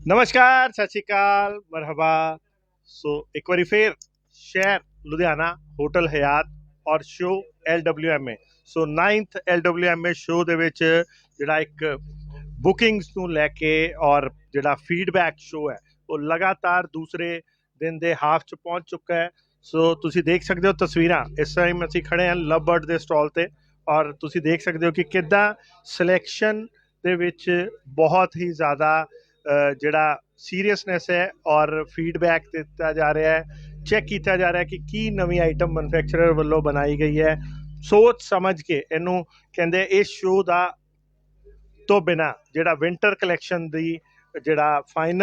ਨਮਸਕਾਰ, ਸਤਿ ਸ਼੍ਰੀ ਅਕਾਲ, ਮਰਹਬਾ। ਸੋ ਇੱਕ ਵਾਰੀ ਫੇਰ ਸ਼ਹਿਰ ਲੁਧਿਆਣਾ, ਹੋਟਲ ਹਯਾਤ ਔਰ show LWMA। So 9th LWMA show ਦੇ ਵਿੱਚ ਜਿਹੜਾ ਇੱਕ ਬੁਕਿੰਗਸ ਨੂੰ ਲੈ ਕੇ ਔਰ ਜਿਹੜਾ ਫੀਡਬੈਕ ਸ਼ੋ ਹੈ ਉਹ ਲਗਾਤਾਰ ਦੂਸਰੇ ਦਿਨ ਦੇ ਹਾਫ 'ਚ ਪਹੁੰਚ ਚੁੱਕਾ ਹੈ। ਸੋ ਤੁਸੀਂ ਦੇਖ ਸਕਦੇ ਹੋ ਤਸਵੀਰਾਂ, ਇਸ ਟਾਈਮ ਅਸੀਂ ਖੜੇ ਹਾਂ ਲਵ ਬਰਡ ਦੇ ਸਟਾਲ ਤੇ ਔਰ ਤੁਸੀਂ ਦੇਖ ਸਕਦੇ ਹੋ ਕਿ ਕਿੱਦਾਂ ਸਿਲੈਕਸ਼ਨ ਦੇ ਵਿੱਚ ਬਹੁਤ ਹੀ ਜ਼ਿਆਦਾ ਜਿਹੜਾ ਸੀਰੀਅਸਨੈਸ ਹੈ ਔਰ ਫੀਡਬੈਕ ਦਿੱਤਾ ਜਾ ਰਿਹਾ ਹੈ, ਚੈੱਕ ਕੀਤਾ ਜਾ ਰਿਹਾ ਕਿ ਕੀ ਨਵੀਂ ਆਈਟਮ ਮੈਨੂਫੈਕਚਰਰ ਵੱਲੋਂ ਬਣਾਈ ਗਈ ਹੈ। ਸੋਚ ਸਮਝ ਕੇ ਇਹਨੂੰ ਕਹਿੰਦੇ ਇਸ ਸ਼ੋਅ ਦਾ ਤੋਂ ਬਿਨਾਂ ਜਿਹੜਾ ਵਿੰਟਰ ਕਲੈਕਸ਼ਨ ਦੀ ਜਿਹੜਾ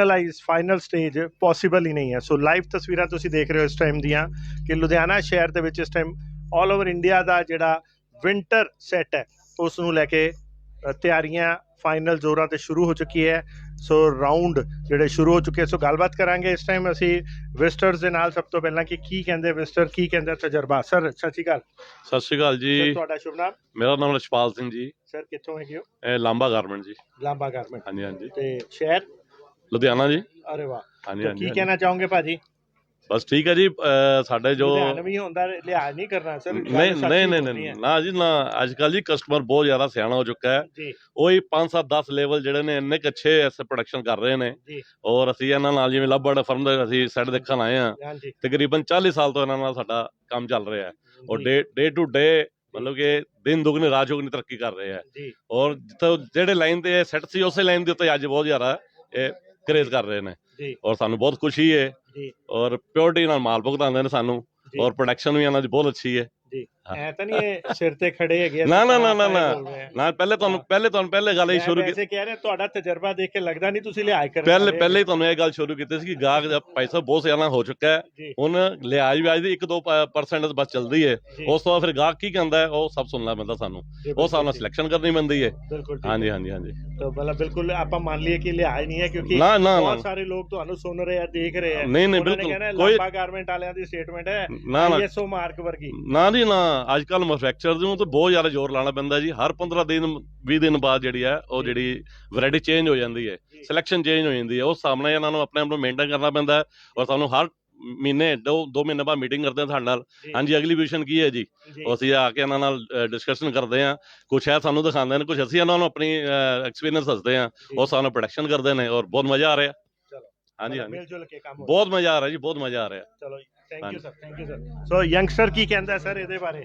ਫਾਈਨਲ ਸਟੇਜ ਪੋਸੀਬਲ ਹੀ ਨਹੀਂ ਹੈ। ਸੋ ਲਾਈਵ ਤਸਵੀਰਾਂ ਤੁਸੀਂ ਦੇਖ ਰਹੇ ਹੋ ਇਸ ਟਾਈਮ ਦੀਆਂ ਕਿ ਲੁਧਿਆਣਾ ਸ਼ਹਿਰ ਦੇ ਵਿੱਚ ਇਸ ਟਾਈਮ ਆਲ ਓਵਰ ਇੰਡੀਆ ਦਾ ਜਿਹੜਾ ਵਿੰਟਰ ਸੈੱਟ ਹੈ ਉਸ ਨੂੰ ਲੈ ਕੇ ਤਿਆਰੀਆਂ ਫਾਈਨਲ ਜ਼ੋਰਾਂ ਤੇ ਸ਼ੁਰੂ ਹੋ ਚੁੱਕੀ ਹੈ। ਸੋ ਰਾਊਂਡ ਜਿਹੜੇ ਸ਼ੁਰੂ ਹੋ ਚੁੱਕੇ, ਸੋ ਗੱਲਬਾਤ ਕਰਾਂਗੇ ਇਸ ਟਾਈਮ ਅਸੀਂ ਵਿਜ਼ਟਰਸ ਦੇ ਨਾਲ। ਸਭ ਤੋਂ ਪਹਿਲਾਂ ਕਿ ਕੀ ਕਹਿੰਦੇ ਵਿਜ਼ਟਰ, ਕੀ ਕਹਿੰਦਾ ਤਜਰਬਾ। ਸਰ ਸਤਿ ਸ਼੍ਰੀ ਅਕਾਲ। ਸਤਿ ਸ਼੍ਰੀ ਅਕਾਲ ਜੀ। ਤੁਹਾਡਾ ਸ਼ੁਭ ਨਾਮ? ਮੇਰਾ ਨਾਮ ਰਛਪਾਲ ਸਿੰਘ ਜੀ। ਸਰ ਕਿੱਥੋਂ ਹੈਗੇ ਹੋ? ਇਹ ਲਾਂਬਾ ਗਾਰਮੈਂਟ ਜੀ। ਲਾਂਬਾ ਗਾਰਮੈਂਟ। ਹਾਂਜੀ ਹਾਂਜੀ। ਤੇ ਸ਼ਹਿਰ ਲੁਧਿਆਣਾ ਜੀ। ਅਰੇ ਵਾਹ। ਹਾਂਜੀ ਕੀ ਹਾਂਜੀ। ਕਹਿਣਾ ਚਾਹੋਗੇ ਭਾਜੀ? ਬਸ ਠੀਕ ਹੈ ਜੀ। ਸਾਡੇ ਜੋ ਲੁਧਿਆਣਵੀ ਹੁੰਦਾ ਲਿਹਾਜ਼ ਨਹੀਂ ਕਰਨਾ ਸਰ। ਨਹੀਂ ਨਾ ਜੀ ਨਾ, ਅੱਜ ਕੱਲ੍ਹ ਜੀ ਕਸਟਮਰ ਬਹੁਤ ਜ਼ਿਆਦਾ ਸਿਆਣਾ ਹੋ ਚੁੱਕਾ ਹੈ ਜੀ। ਉਹੀ 5-7-10 ਲੈਵਲ ਜਿਹੜੇ ਨੇ ਇੰਨੇ ਕੁ ਅੱਛੇ ਐਸੇ ਪ੍ਰੋਡਕਸ਼ਨ ਕਰ ਰਹੇ ਨੇ ਜੀ। ਔਰ ਅਸੀਂ ਇਹਨਾਂ ਨਾਲ ਜਿਵੇਂ ਲਵ ਬਰਡ ਫਰਮ ਦਾ ਅਸੀਂ ਸੈੱਟ ਦੇਖਣ ਆਏ ਹਾਂ। ਹਾਂਜੀ। ਤਕਰੀਬਨ 40 ਸਾਲ ਤੋਂ ਇਹਨਾਂ ਨਾਲ ਸਾਡਾ ਕੰਮ ਚੱਲ ਰਿਹਾ ਹੈ ਔਰ ਜੀ। ਡੇ ਟੂ ਡੇ ਮਤਲਬ ਕਿ ਦਿਨ ਦੁਗਣੀ ਰਾਤ ਚੌਗੁਣੀ ਤਰੱਕੀ ਕਰ ਰਹੇ ਹੈ ਜੀ। ਔਰ ਜਿੱਥੇ ਜਿਹੜੇ ਲਾਈਨ ਤੇ ਸੈੱਟ ਸੀ ਉਸੇ ਲਾਈਨ ਦੇ ਉੱਤੇ ਅੱਜ ਬਹੁਤ ਜ਼ਿਆਦਾ ਇਹ ਕਰੇਜ਼ ਕਰ ਰਹੇ ਨੇ ਜੀ। ਔਰ ਸਾਨੂੰ ਬਹੁਤ ਖੁਸ਼ੀ ਹੈ ਜੀ। ਔਰ ਪਿਓਰਟੀ ਨਾਲ ਮਾਲ ਭੁਗਤਾਉਂਦੇ ਨੇ ਸਾਨੂੰ ਜੀ। ਔਰ ਪ੍ਰੋਡਕਸ਼ਨ ਵੀ ਇਹਨਾਂ ਦੀ ਬਹੁਤ ਅੱਛੀ ਹੈ ਜੀ। ਹਾਂ। ਐ ਤਾਂ ਨਹੀਂ ਇਹ ਸਿਰ ਤੇ ਖੜੇ ਹੈਗੇ? ਨਾ ਨਾ ਨਾ ਨਾ ਨਾ ਪਹਿਲੇ ਗੱਲ ਇਹ ਸ਼ੁਰੂ ਕੀਤੀ। ਵੈਸੇ ਕਹਿ ਰਿਹਾ ਤੁਹਾਡਾ ਤਜਰਬਾ ਦੇਖ ਕੇ ਲੱਗਦਾ ਨਹੀਂ ਤੁਸੀਂ ਲਿਹਾਜ਼ ਕਰ ਪਹਿਲੇ ਹੀ ਤੁਹਾਨੂੰ ਇਹ ਗੱਲ ਸ਼ੁਰੂ ਕੀਤੀ ਸੀ ਕਿ ਗਾਹਕ ਦਾ ਪੈਸਾ ਬਹੁਤ ਜ਼ਿਆਦਾ ਹੋ ਚੁੱਕਾ ਹੈ। ਜੀ। ਹੁਣ ਲਿਹਾਜ਼ ਵਿਆਜ ਦੀ 1-2% ਬਸ ਚੱਲਦੀ ਹੈ। ਜੀ। ਉਸ ਤੋਂ ਬਾਅਦ ਫਿਰ ਗਾਹਕ ਕੀ ਕਹਿੰਦਾ ਹੈ ਉਹ ਸਭ ਸੁਣਨਾ ਪੈਂਦਾ ਸਾਨੂੰ। ਜੀ, ਉਹ ਹਿਸਾਬ ਨਾਲ ਸਿਲੈਕਸ਼ਨ ਕਰਨੀ ਪੈਂਦੀ ਹੈ। ਬਿਲਕੁਲ ਠੀਕ ਹਾਂਜੀ ਹੈ। ਹਾਂਜੀ ਹਾਂਜੀ। ਤਾਂ ਮਤਲਬ ਬਿਲਕੁਲ ਆਪਾਂ ਮੰਨ ਲਈਏ ਕਿ ਲਿਹਾਜ਼ ਨਹੀਂ ਹੈ ਕਿਉਂਕਿ ਨਾ ਨਾ ਬਹੁਤ ਨਾ ਸਾਰੇ ਲੋਕ ਤੁਹਾਨੂੰ ਸੁਣ ਰਹੇ ਆ, ਦੇਖ ਰਹੇ ਆ। ਨਹੀਂ ਨਹੀਂ ਉਹਨਾਂ ਨੇ ਬਿਲਕੁਲ ਕਹਿਣਾ ਕੋਈ ਲਾਂਬਾ ਗਾਰਮੈਂਟ ਵਾਲਿਆਂ ਦੀ ਸਟੇਟਮੈਂਟ ਹੈ ਨਾ ਨਾ ISO ਮਾਰਕ ਵਰਗੀ। ਨਾ ਜੀ ਨਾ, ਅੱਜ ਕੱਲ੍ਹ ਮੈਨੂਫੈਕਚਰ ਨੂੰ ਤਾਂ ਬਹੁਤ ਜ਼ਿਆਦਾ ਜ਼ੋਰ ਲਾਉਣਾ ਪੈਂਦਾ ਜੀ। ਹਰ 15 ਦਿਨ 20 ਦਿਨ ਬਾਅਦ ਜਿਹੜੀ ਹੈ ਉਹ ਜਿਹੜੀ ਵੈਰਾਈਟੀ ਚੇਂਜ ਹੋ ਜਾਂਦੀ ਹੈ, ਸਿਲੈਕਸ਼ਨ ਚੇਂਜ ਹੋ ਜਾਂਦੀ ਹੈ। ਉਸ ਸਾਹਮਣੇ ਇਹਨਾਂ ਨੂੰ ਆਪਣੇ ਆਪ ਨੂੰ ਮੇਨਟੇਨ ਕਰਨਾ ਪੈਂਦਾ ਹੈ ਔਰ ਸਾਨੂੰ ਹਰ ਮਹੀਨੇ 2 ਮਹੀਨੇ ਬਾਅਦ ਮੀਟਿੰਗ ਕਰਦੇ ਹਾਂ ਸਾਡੇ ਨਾਲ। ਹਾਂਜੀ ਅਗਲੀ ਪੋਜੀਸ਼ਨ ਕੀ ਹੈ ਜੀ, ਅਸੀਂ ਆ ਕੇ ਇਹਨਾਂ ਨਾਲ ਡਿਸਕਸ਼ਨ ਕਰਦੇ ਹਾਂ। ਕੁਛ ਹੈ ਸਾਨੂੰ ਦਿਖਾਉਂਦੇ ਨੇ, ਕੁਛ ਅਸੀਂ ਇਹਨਾਂ ਨੂੰ ਆਪਣੀ ਐਕਸਪੀਰੀਅੰਸ ਦੱਸਦੇ ਹਾਂ। ਉਹ ਸਾਨੂੰ ਪ੍ਰੋਡਕਸ਼ਨ ਕਰਦੇ ਨੇ ਔਰ ਬਹੁਤ ਮਜ਼ਾ ਆ ਰਿਹਾ। ਹਾਂਜੀ ਹਾਂਜੀ ਮਿਲ ਜੁਲ ਕੇ ਕੰਮ ਬਹੁਤ ਮਜ਼ਾ ਆ ਰਿਹਾ ਜੀ, ਬਹੁਤ ਮਜ਼ਾ ਆ ਰਿਹਾ। ਚਲੋ thank you sir, thank you sir. So youngster ਕੀ ਕਹਿੰਦਾ ਸਰ ਇਹਦੇ ਬਾਰੇ?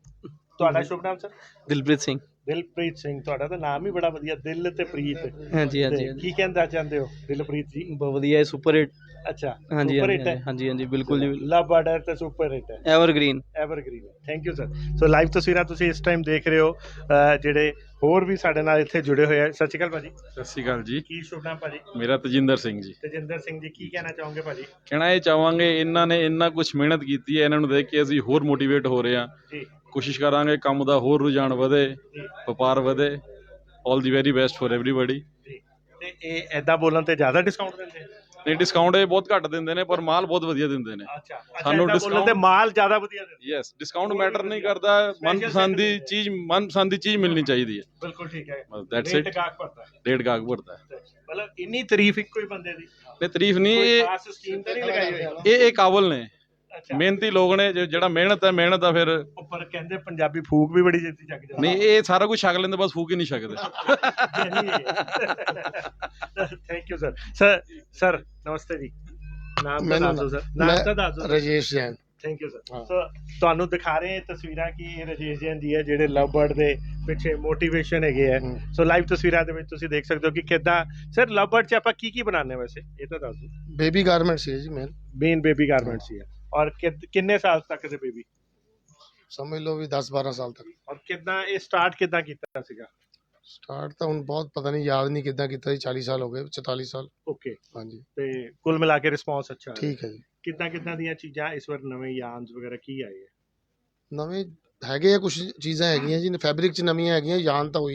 ਤੁਹਾਡਾ ਸ਼ੁਭ ਨਾਮ ਸਰ? ਦਿਲਪ੍ਰੀਤ ਸਿੰਘ। ਦਿਲਪ੍ਰੀਤ ਸਿੰਘ। ਤੁਹਾਡਾ ਤਾਂ ਨਾਮ ਹੀ ਬੜਾ ਵਧੀਆ, ਦਿਲ ਤੇ ਪ੍ਰੀਤ। ਹਾਂਜੀ ਹਾਂਜੀ ਤੇ ਕੀ ਕਹਿਣਾ ਚਾਹੁੰਦੇ ਹੋ ਦਿਲਪ੍ਰੀਤ ਜੀ? ਬਹੁਤ ਵਧੀਆ ਹੈ, ਸੁਪਰ ਹਿੱਟ। ਅੱਛਾ, ਹਾਂਜੀ ਸੁਪਰ ਹਾਂਜੀ ਹਿੱਟ ਹੈ। ਹਾਂਜੀ ਹਾਂਜੀ ਬਿਲਕੁਲ ਜੀ, ਲਵ ਬਰਡ ਤੇ ਸੁਪਰ ਹਿੱਟ ਹੈ, evergreen. Evergreen. Thank you sir. So live ਤਸਵੀਰਾਂ ਤੁਸੀਂ ਇਸ ਟਾਈਮ ਦੇਖ ਰਹੇ ਹੋ। ਜਿਹੜੇ ਹੋਰ ਵੀ ਸਾਡੇ ਨਾਲ ਇੱਥੇ ਜੁੜੇ ਹੋਏ ਆ। ਸਤਿ ਸ਼੍ਰੀ ਅਕਾਲ ਭਾਜੀ। ਸਤਿ ਸ਼੍ਰੀ ਅਕਾਲ ਜੀ। ਕੀ ਸ਼ੁਭ ਨਾਮ ਭਾਜੀ? ਮੇਰਾ ਤਜਿੰਦਰ ਸਿੰਘ ਜੀ। ਤੇਜਿੰਦਰ ਸਿੰਘ ਜੀ, ਕੀ ਕਹਿਣਾ ਚਾਹੋਗੇ ਭਾਜੀ? ਕਹਿਣਾ ਇਹ ਚਾਹਾਂਗੇ ਇਹਨਾਂ ਨੇ ਇੰਨਾ ਕੁਝ ਮਿਹਨਤ ਕੀਤੀ ਹੈ, ਇਹਨਾਂ ਨੂੰ ਦੇਖ ਕੇ ਅਸੀਂ ਹੋਰ ਮੋਟੀਵੇਟ ਹੋ ਰਹੇ ਹਾਂ। ਜੀ। ਕੋਸ਼ਿਸ਼ ਕਰਾਂਗੇ ਕੰਮ ਦਾ ਹੋਰ ਰੁਝਾਨ ਵਧੇ, ਜੀ। ਵਪਾਰ ਵਧੇ। All the very best for everybody. ਜੀ। ਤੇ ਇਹ ਐਦਾਂ ਬੋਲਣ ਤੇ ਜ਼ਿਆਦਾ ਡਿਸਕਾਊਂਟ ਦਿੰਦੇ? ਨਹੀਂ, ਡਿਸਕਾਊਂਟ ਇਹ ਬਹੁਤ ਘੱਟ ਦਿੰਦੇ ਨੇ ਪਰ ਮਾਲ ਬਹੁਤ ਵਧੀਆ ਦਿੰਦੇ ਨੇ। ਅੱਛਾ, ਸਾਨੂੰ ਡਿਸਕਾਊਂਟ ਤੇ ਮਾਲ ਜ਼ਿਆਦਾ ਵਧੀਆ ਦਿੰਦੇ? ਯੈਸ, ਡਿਸਕਾਊਂਟ ਮੈਟਰ ਨਹੀਂ ਕਰਦਾ। ਮਨਪਸੰਦ ਦੀ ਚੀਜ਼ ਮਿਲਣੀ ਚਾਹੀਦੀ ਹੈ। ਬਿਲਕੁਲ ਠੀਕ ਹੈ। That's it. ਡੇਢ ਗਾਹਕ ਭਰਦਾ ਹੈ। ਮਤਲਬ ਇੰਨੀ ਤਾਰੀਫ ਇੱਕੋ ਹੀ ਬੰਦੇ ਦੀ? ਨਹੀਂ ਤਾਰੀਫ ਨਹੀਂ, ਕੋਈ ਖਾਸ ਸਕੀਮ ਤਾਂ ਨਹੀਂ ਲਗਾਈ ਹੋਈ? ਇਹ ਕਾਬਲ ਨੇ, ਅੱਛਾ। ਮਿਹਨਤੀ ਲੋਕ ਨੇ। ਜਿਹੜਾ ਮਿਹਨਤ ਆ ਫਿਰ। ਉੱਪਰ ਕਹਿੰਦੇ ਪੰਜਾਬੀ ਫੂਕ ਵੀ ਬੜੀ ਜਲਦੀ ਚੱਕ ਜਾਂਦੇ। ਨਹੀਂ, ਇਹ ਸਾਰਾ ਕੁਝ ਛਕ ਲੈਂਦੇ, ਬਸ ਫੂਕ ਹੀ ਨਹੀਂ ਛਕਦੇ। Thank you sir. ਸਰ ਨਮਸਤੇ ਜੀ। ਨਾਮ ਤਾਂ ਦੱਸ ਦਿਓ ਸਰ। ਨਾਮ ਤਾਂ ਦੱਸ ਦਿਓ। Rajesh Jain. Thank you sir. So ਤੁਹਾਨੂੰ ਦਿਖਾ ਰਹੇ ਤਸਵੀਰਾਂ ਕਿ ਇਹ ਰਾਜੇਸ਼ ਜੈਨ ਜੀ ਹੈ ਜਿਹੜੇ ਲਵ ਬਰਡ ਦੇ ਪਿੱਛੇ ਮੋਟੀਵੇਸ਼ਨ ਹੈਗੇ ਆ। ਸੋ ਲਾਈਵ ਤਸਵੀਰਾਂ ਦੇ ਵਿੱਚ ਤੁਸੀਂ ਦੇਖ ਸਕਦੇ ਹੋ ਕਿ ਕਿੱਦਾਂ ਸਰ ਲਵ ਬਰਡ 'ਚ ਆਪਾਂ ਕੀ ਬਣਾਉਂਦੇ ਵੈਸੇ, ਇਹ ਤਾਂ ਦੱਸ ਦਿਓ। ਬੇਬੀ ਗਾਰਮੈਂਟਸ ਹੈ ਜੀ ਮੇਨ ਬੇਬੀ ਗਾਰਮੈਂਟਸ ਹੀ ਹੈ। ਔਰ ਕਿੰਨੇ ਸਾਲ ਤੱਕ ਦੇ ਬੇਬੀ? ਸਮਝ ਲਓ ਵੀ 10-12 ਸਾਲ ਤੱਕ। ਔਰ ਕਿੱਦਾਂ ਇਹ ਸਟਾਰਟ ਕਿੱਦਾਂ ਕੀਤਾ ਸੀਗਾ? ਸਟਾਰਟ ਤਾਂ ਹੁਣ ਬਹੁਤ ਪਤਾ ਨਹੀਂ, ਯਾਦ ਨਹੀਂ ਕਿੱਦਾਂ ਕੀਤਾ ਜੀ। 40 ਸਾਲ ਹੋ ਗਏ, 44 ਸਾਲ। ਓਕੇ। ਹਾਂਜੀ। ਤੇ ਕੁੱਲ ਮਿਲਾ ਕੇ ਰਿਸਪੌਂਸ ਅੱਛਾ ਹੈ? ਠੀਕ ਹੈ ਜੀ। ਕਿੱਦਾਂ ਦੀਆਂ ਚੀਜ਼ਾਂ ਇਸ ਵਾਰ ਨਵੇਂ ਯਾਨਸ ਵਗੈਰਾ ਕੀ ਆਏ ਹੈ? ਨਵੇਂ ਹੈਗੇ ਆ, ਕੁਝ ਚੀਜ਼ਾਂ ਹੈਗੀਆਂ ਜੀ। ਫੈਬਰਿਕ 'ਚ ਨਵੀਆਂ ਹੈਗੀਆਂ, ਯਾਨ ਤਾਂ ਹੋਈ ਹੈ।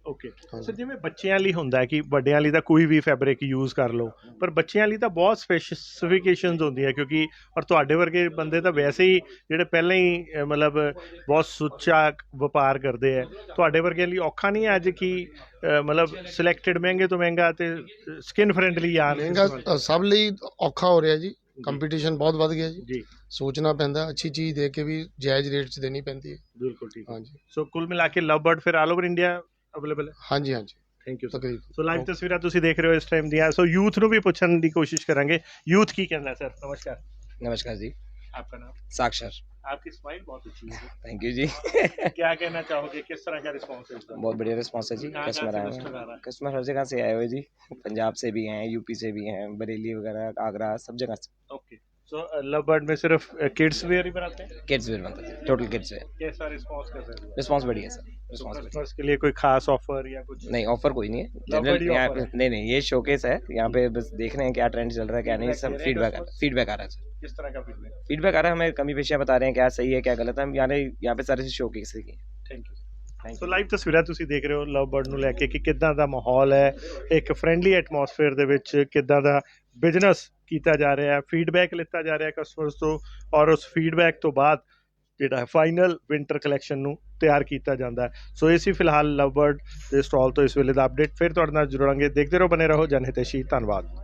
ਓਕੇ ਹਾਂਜੀ। ਸਰ ਜਿਵੇਂ ਬੱਚਿਆਂ ਲਈ ਹੁੰਦਾ ਹੈ ਕਿ ਵੱਡਿਆਂ ਲਈ ਤਾਂ ਕੋਈ ਵੀ ਫੈਬਰਿਕ ਯੂਜ਼ ਕਰ ਲਓ, ਪਰ ਬੱਚਿਆਂ ਲਈ ਤਾਂ ਬਹੁਤ ਸਪੈਸੀਫਿਕੇਸ਼ਨਸ ਹੁੰਦੀਆਂ, ਕਿਉਂਕਿ ਔਰ ਤੁਹਾਡੇ ਵਰਗੇ ਬੰਦੇ ਤਾਂ ਵੈਸੇ ਹੀ ਜਿਹੜੇ ਪਹਿਲਾਂ ਹੀ ਮਤਲਬ ਬਹੁਤ ਸੁੱਚਾ ਵਪਾਰ ਕਰਦੇ ਹੈ, ਤੁਹਾਡੇ ਵਰਗਿਆਂ ਲਈ ਔਖਾ ਨਹੀਂ ਹੈ ਅੱਜ ਕਿ ਮਤਲਬ ਸਿਲੈਕਟਡ ਮਹਿੰਗੇ ਤੋਂ ਮਹਿੰਗਾ ਤੇ ਸਕਿਨ ਫਰੈਂਡਲੀ ਆ ਮਹਿੰਗਾ ਸਭ ਲਈ ਔਖਾ ਹੋ ਰਿਹਾ ਜੀ, ਕੰਪੀਟੀਸ਼ਨ ਬਹੁਤ ਵੱਧ ਗਿਆ ਜੀ, ਜੀ ਸੋਚਣਾ ਪੈਂਦਾ, ਅੱਛੀ ਚੀਜ਼ ਦੇ ਕੇ ਵੀ ਜਾਇਜ਼ ਰੇਟ 'ਚ ਦੇਣੀ ਪੈਂਦੀ ਹੈ। ਬਿਲਕੁਲ ਠੀਕ ਹੈ। ਹਾਂਜੀ ਸੋ ਕੁੱਲ ਮਿਲਾ ਕੇ ਲਵ ਬਰਡ ਫਿਰ ਆਲ ਓਵਰ ਇੰਡੀਆ ਅਵੇਲੇਬਲ ਹੈ। ਹਾਂਜੀ ਹਾਂਜੀ ਥੈਂਕ ਯੂ ਤਕਰੀਬਨ। ਸੋ ਲਾਈਵ ਤਸਵੀਰਾਂ ਤੁਸੀਂ ਦੇਖ ਰਹੇ ਹੋ ਇਸ ਟਾਈਮ ਦੀਆਂ। ਸੋ ਯੂਥ ਨੂੰ ਵੀ ਪੁੱਛਣ ਦੀ ਕੋਸ਼ਿਸ਼ ਕਰਾਂਗੇ, ਯੂਥ ਕੀ कहना है सर? नमस्कार, नमस्कार जी। आपका नाम? साक्षर। आपकी स्माइल बहुत अच्छी है। थैंक यू जी। क्या कहना चाहोगे, किस तरह का रिस्पॉन्स है इसका? बहुत बढ़िया रिस्पॉन्स है जी। कहाँ कस्टमर से आए customer आ हुए रहा है? कस्टमर हर जगह से आए हुए जी, पंजाब से भी हैं, यूपी से भी हैं, बरेली वगैरह, आगरा, सब जगह से। ओके सो लव बर्ड में सिर्फ किड्स वेयर ही बनाते हैं? किड्स वेयर बनता है, टोटल किड्स वेयर। कैसा रिस्पॉन्स कैसा है? रिस्पॉन्स बढ़िया है सर, तो रिस्पॉन्स बढ़िया। कस्टमर्स के लिए कोई खास ऑफर या कुछ? नहीं ऑफर कोई नहीं है, Lovebird जनरल ही यहाँ offer पे नहीं, ये शोकेस है, यहाँ पे बस देख रहे हैं क्या ट्रेंड चल रहा है क्या नहीं, सब Feedback फीडबैक आ रहा है सर। किस तरह का फीडबैक? फीडबैक आ रहा है, हमें कमी पेशियाँ बता रहे हैं क्या सही है क्या गलत है, हम यहाँ पे सारे शोकेस की। ਥੈਂਕ ਯੂ ਸੋ ਲਾਈਵ ਤਸਵੀਰਾਂ ਤੁਸੀਂ ਦੇਖ ਰਹੇ ਹੋ ਲਵ ਬਰਡ ਨੂੰ ਲੈ ਕੇ ਕਿ ਕਿੱਦਾਂ ਦਾ ਮਾਹੌਲ ਹੈ, ਇੱਕ ਫਰੈਂਡਲੀ ਐਟਮੋਸਫੇਅਰ ਦੇ ਵਿੱਚ ਕਿੱਦਾਂ ਦਾ ਬਿਜ਼ਨਸ ਕੀਤਾ ਜਾ ਰਿਹਾ ਹੈ, ਫੀਡਬੈਕ ਲਿੱਤਾ ਜਾ ਰਿਹਾ ਕਸਟਮਰਸ ਤੋਂ, ਔਰ ਉਸ ਫੀਡਬੈਕ ਤੋਂ ਬਾਅਦ ਜਿਹੜਾ ਹੈ ਫਾਈਨਲ ਵਿੰਟਰ ਕਲੈਕਸ਼ਨ ਨੂੰ ਤਿਆਰ ਕੀਤਾ ਜਾਂਦਾ ਹੈ। ਸੋ ਇਹ ਸੀ ਫਿਲਹਾਲ ਲਵ ਬਰਡ ਦੇ ਸਟਾਲ ਤੋਂ ਇਸ ਵੇਲੇ ਦਾ ਅਪਡੇਟ। ਫਿਰ ਤੁਹਾਡੇ ਨਾਲ ਜੁੜਾਂਗੇ, ਦੇਖਦੇ ਰਹੋ, ਬਨੇ ਰਹੋ ਜਨਹਿਤੈਸ਼ੀ। ਧੰਨਵਾਦ।